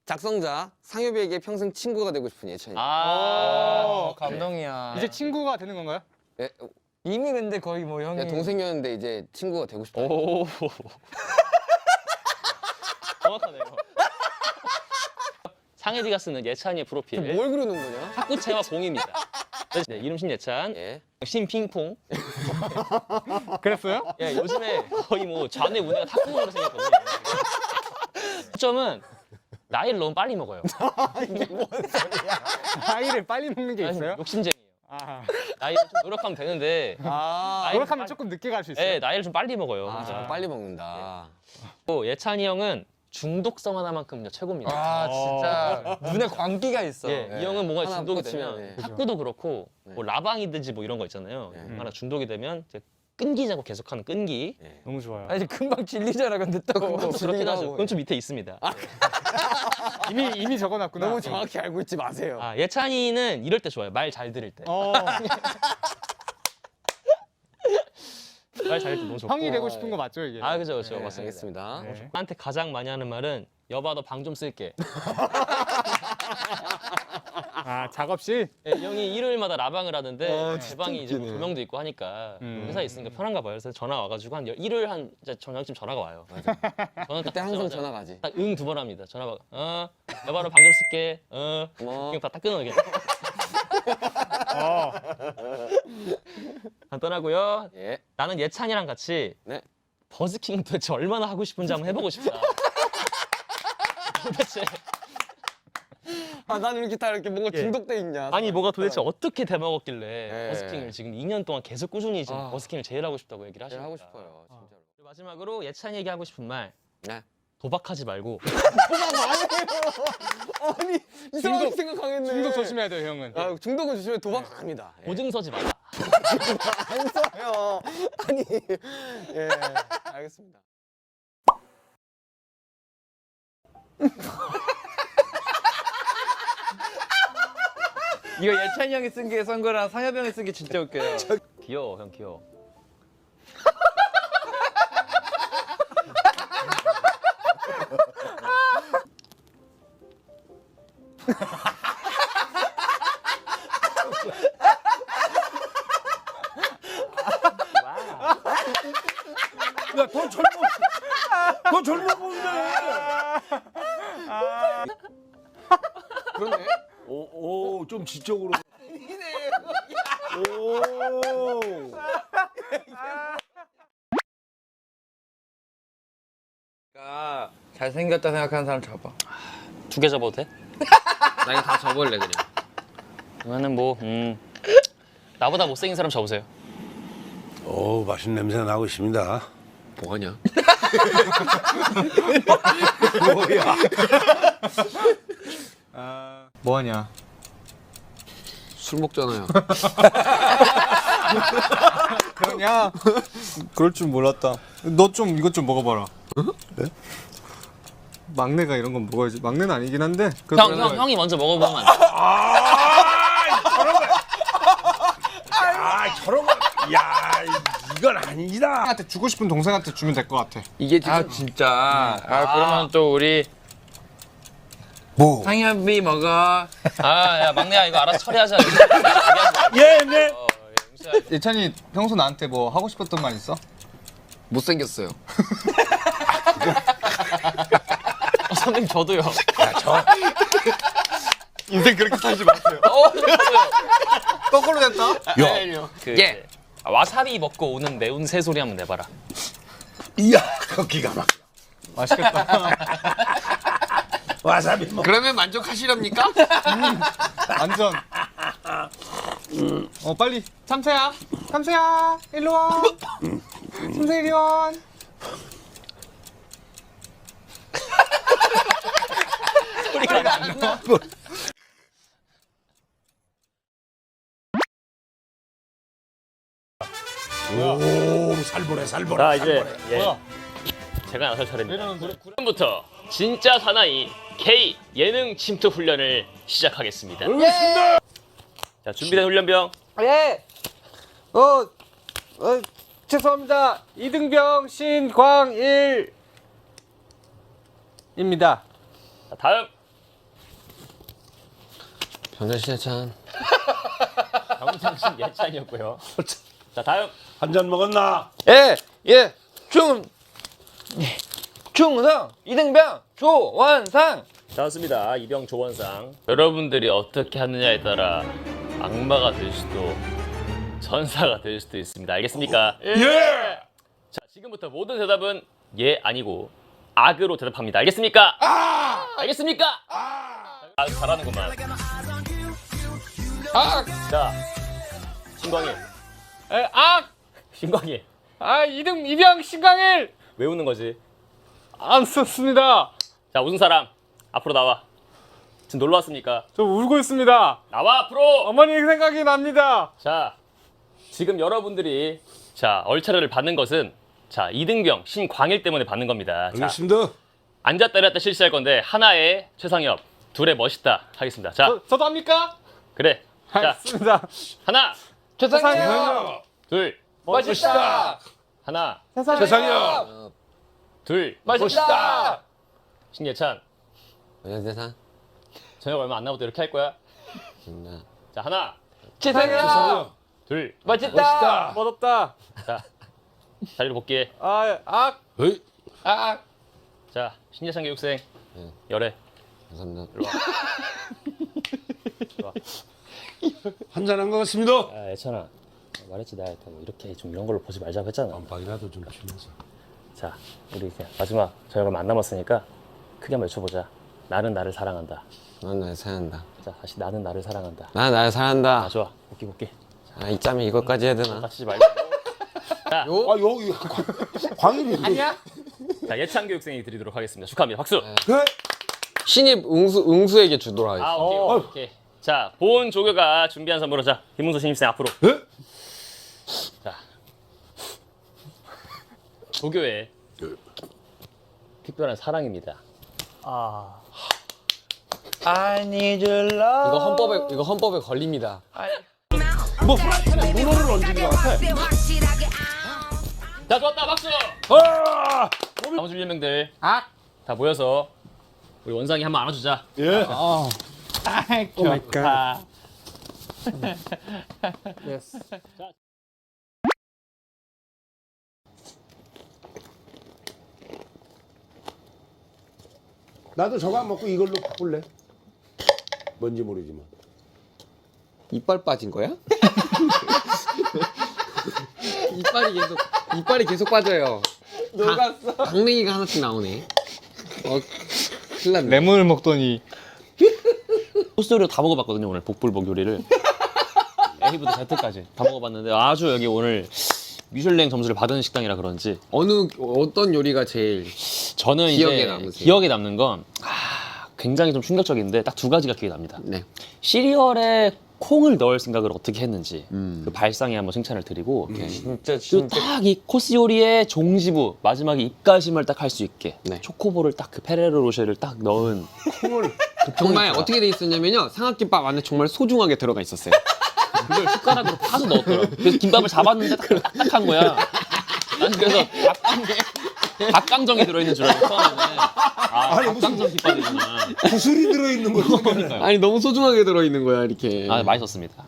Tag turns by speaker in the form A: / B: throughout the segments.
A: 작성자 상엽이에게 평생 친구가 되고 싶은 예찬이.
B: 감동이야.
C: 이제 친구가 되는 건가요?
A: 예,
B: 이미 근데 거의 뭐 형이.
A: 동생이었는데 이제 친구가 되고 싶다.
D: 오. 정확하네요. 상혜디가 쓰는 예찬이의 프로필.
A: 뭘 그리는 거냐?
D: 탁구채와 공입니다. 네, 이름 신예찬,
A: 예.
D: 신핑퐁.
C: 그랬어요?
D: 예, 요즘에 거의 뭐 좌뇌 우뇌가 탁구공으로 생겼거든요. 점은 나이를 너무 빨리 먹어요.
C: 아이를 빨리 먹는 게 있어요?
D: 욕심쟁이에요.
C: 아,
D: 나이를 좀 노력하면 되는데 나이를
C: 노력하면
D: 빨리-
C: 조금 늦게 갈 수 있어요.
D: 예, 나이를 좀 빨리 먹어요.
A: 아,
D: 진짜.
A: 빨리 먹는다.
D: 또 예찬이 형은 중독성 하나만큼요 최고입니다.
B: 진짜 눈에 광기가 있어.
D: 예,
A: 네.
D: 이 형은 뭔가
A: 하나
D: 중독이
A: 꽂히면,
D: 되면
A: 네.
D: 탁구도 그렇고 뭐 라방이든지 뭐 이런 거 있잖아요.
A: 네.
D: 하나 중독이 되면 이제 끈기자고 계속하는 끈기.
C: 너무 좋아요.
B: 아니 금방 질리잖아 근데 또.
D: 그건 좀 그렇긴 하죠.
A: 하고.
D: 그건 좀 밑에 있습니다.
C: 이미 적어놨구나.
A: 너무 정확히 알고 있지 마세요.
D: 아, 예찬이는 이럴 때 좋아요. 말 잘 들을 때. 말 잘 들을 때 너무 좋고.
C: 형이 되고 싶은 거 맞죠 이게?
D: 아, 그죠, 그죠.
A: 네,
D: 맞습니다.
A: 알겠습니다.
C: 네.
D: 나한테 가장 많이 하는 말은 여봐 너 방 좀 쓸게.
C: 아 작업실?
D: 예, 이 형이 일요일마다 라방을 하는데 제
A: 진짜
D: 방이 이제 뭐
A: 웃기네.
D: 조명도 있고 하니까
C: 음.
D: 회사에 있으니까 편한가 봐요. 그래서 전화 와가지고 한 일요일 한 이제 저녁쯤 전화가 와요. 저는
A: 그때 항상 전화 가지.
D: 딱응 2번 합니다. 전화가 여봐 너 방 좀 쓸게.
A: 뭐
D: 그냥 딱 끊어 그냥.
C: 어.
D: 간단하고요.
A: 예.
D: 나는 예찬이랑 같이
A: 네.
D: 버스킹 도대체 얼마나 하고 싶은지 한번 해보고 싶다. 도대체
A: 난 이렇게 다 이렇게 뭔가
D: 예.
A: 중독돼 있냐?
D: 아니 뭐가 도대체 어떻게 대먹었길래
A: 예.
D: 버스킹을 지금 2년 동안 계속 꾸준히 지금
A: 아.
D: 버스킹을 제일 하고 싶다고 얘기를
A: 제일
D: 하시니까.
A: 하고 싶어요, 진짜로.
D: 그리고 마지막으로 예찬이 얘기하고 싶은 말.
A: 네.
D: 도박하지 말고
A: 아니 이상하게 생각하겠네.
C: 중독 조심해야 돼요 형은.
A: 아, 중독은 조심해 도박 안 합니다. 예.
D: 보증 서지 마라.
A: 안 써요. 아니 예 알겠습니다.
B: 이거 예찬이 형이 쓴 거랑 상엽이 형이 쓴 게 진짜 웃겨요.
D: 귀여워 형 귀여워.
E: 더 젊어 보이네.
A: 그러네.
E: 오, 좀 지적으로. 오.
B: 잘생겼다 생각하는 사람 잡아.
D: 2개 접어도 돼?
A: 나 이거 다 접을래 그냥.
D: 그러면은 뭐 나보다 못생긴 사람 접으세요.
E: 오, 맛있는 냄새 나고 있습니다.
A: 뭐하냐?
E: 뭐야?
C: 뭐하냐?
A: 술 먹잖아요.
C: 그러냐? 그럴 줄 몰랐다. 너 좀 이것 좀 먹어봐라.
E: 네?
C: 막내가 이런 건 먹어야지. 막내는 아니긴 한데.
D: 형이 먼저 먹어보면 안 돼?
E: 저런 거. 야, 이건 아니다.
C: 한테 주고 싶은 동생한테 주면 될 것 같아.
A: 이게 지금
B: 아 진짜. 그러면 또 우리
E: 뭐?
B: 상엽이 먹어.
D: 야 막내야 이거 알아서 처리하자.
E: 예, 네.
C: 예찬이 평소 나한테 뭐 하고 싶었던 말 있어?
A: 못생겼어요.
D: 선생님 저도요.
C: 인생 그렇게 살지 마세요. 거꾸로 됐다.
E: 야,
D: 예. 와사비 먹고 오는 매운 새소리 한번 내봐라.
E: 이야, 기가 막.
C: 맛있겠다.
E: 와사비 먹.
A: 그러면 만족하시렵니까?
C: 완전. 빨리. 참새야. 참새야. 일로 와. 참새 이리 와.
D: 소리가 안 나.
E: 오, 살벌해, 살벌해.
D: 자 이제
C: 뭐야?
D: 제가 나설 차례입니다.
C: 얘는
D: 지금부터 진짜 사나이 K 예능 침투 훈련을 시작하겠습니다. 자 준비된 훈련병.
C: 예. 죄송합니다. 이등병 신광일입니다.
D: 자, 다음
A: 전자신예찬.
D: 정상신 예찬이었고요. 자 다음.
E: 한 잔 먹었나?
B: 예. 충성 이등병 조원상.
D: 좋습니다. 이병 조원상. 여러분들이 어떻게 하느냐에 따라 악마가 될 수도 전사가 될 수도 있습니다. 알겠습니까?
E: 예!
D: 자 지금부터 모든 대답은 예 아니고 악으로 대답합니다. 알겠습니까? 알겠습니까? 아주 잘하는구만. 자 신광일. 신광일.
B: 이병 신광일.
D: 왜 웃는 거지?
B: 안 썼습니다.
D: 자 웃은 사람 앞으로 나와. 지금 놀러 왔습니까?
B: 저 울고 있습니다.
D: 나와 앞으로.
B: 어머니 생각이 납니다.
D: 자 지금 여러분들이 자 얼차려를 받는 것은 자 이등병 신광일 때문에 받는 겁니다. 자
E: 알겠습니다.
D: 앉았다 일어났다 실시할 건데 하나의 최상엽, 둘의 멋있다 하겠습니다. 자
B: 저도 합니까?
D: 그래. 자
B: 알겠습니다.
D: 하나,
B: 최상혁.
D: 둘,
B: 멋있다.
D: 하나,
E: 세상이야.
D: 둘,
B: 멋있다.
D: 신예찬.
A: 전자신예찬.
D: 저녁 얼마 안 남았다 이렇게 할 거야.
A: 전자.
D: 자 하나,
B: 최상혁.
D: 둘,
B: 멋있다. 멋없다.
D: 자 자리로 복귀해.
E: 어이?
D: 자 신예찬 교육생
A: 네.
D: 열애.
A: 감사합니다.
E: 한 잔 한 것 같습니다.
D: 야 예찬아 말했지 나 뭐 이렇게 좀 이런 걸로 보지 말자고 했잖아.
E: 깜빡이라도 좀 치면서.
D: 자 우리 이제 마지막 저녁 얼마 안 남았으니까 크게 한번 외쳐보자. 나는 나를 사랑한다.
A: 난 나를 사랑한다.
D: 자 다시 나는 나를 사랑한다.
A: 난 나를 사랑한다.
D: 아 좋아 복귀.
A: 아, 이짬에 이것까지 해야 되나?
D: 다치지 말고.
E: 아, 여기 광일이.
B: 아니야?
D: 자 예찬 교육생이 드리도록 하겠습니다. 축하합니다. 박수.
E: 네?
A: 신입 응수에게 주도록 하겠습니다.
D: 아 오케이. 자 본 조교가 준비한 선물로 자 김문수 신입생 앞으로.
E: 네?
D: 자 조교의 특별한 사랑입니다.
B: I need your love.
A: 이거 헌법에 걸립니다.
E: 뭐 프라이팬에 문어를 얹은 것 같아.
D: 자 좋았다 박수.
E: 아!
D: 나머지 1명들 다 모여서 우리 원상이 한번 안아주자.
E: 예.
B: 좋다.
E: 나도 저거 안 먹고 이걸로 바꿀래. 뭔지 모르지만.
A: 이빨 빠진 거야? 이빨이 계속 빠져요. 녹았어. 강냉이가 하나씩 나오네. 큰일 났네.
B: 레몬을 먹더니
D: 코스 요리 다 먹어봤거든요 오늘 복불복 요리를. A부터 Z까지 다 먹어봤는데 아주 여기 오늘 미슐랭 점수를 받은 식당이라 그런지
A: 어떤 요리가 제일
D: 저는
A: 기억에
D: 이제
A: 남으세요?
D: 기억에 남는 건 굉장히 좀 충격적인데 딱 두 가지가 기억에 납니다.
A: 네.
D: 시리얼에 콩을 넣을 생각을 어떻게 했는지
A: 음.
D: 그 발상에 한번 칭찬을 드리고
B: 진짜
D: 그리고 딱 이 코스 요리의 종지부 마지막에 입가심을 딱 할 수 있게
A: 네.
D: 초코볼을 딱 그 페레로 로쉐를 딱 넣은
A: 정말 어떻게 돼 있었냐면요. 삼각김밥 안에 정말 소중하게 들어가 있었어요.
D: 그걸 숟가락으로 파서 넣었더라고. 그래서 김밥을 잡았는데 딱딱한 거야. 난 그래서 닭강정이 들어있는 줄 알고 처음에는
E: 아니, 무슨-
D: 닭강정 김밥이구나.
E: 구슬이 들어있는 거지.
A: 아니 너무 소중하게 들어 있는 거야 이렇게.
D: 아 맛있었습니다.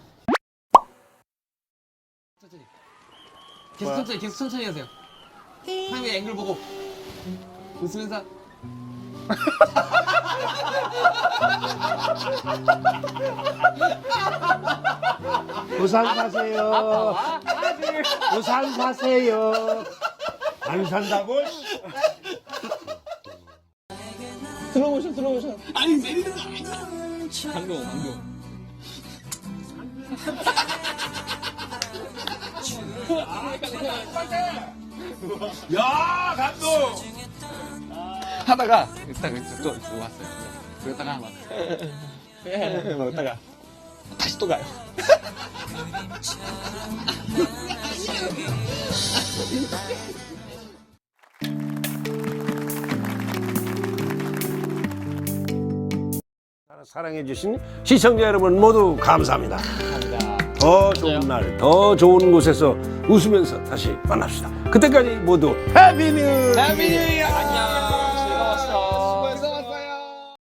A: 계속 천천히 하세요. 상대 앵글 보고 웃으면서.
E: 부산 사세요. 부산 사세요. 안 산다고? 야, 감독!
A: 하다가 딱 또 왔어요. 그러다가 막 먹다가 다시 또 가요.
E: 사랑해주신 시청자 여러분 모두 감사합니다. 더 좋은 날, 더 좋은 곳에서 웃으면서 다시 만납시다. 그때까지 모두 해피 뉴 이어!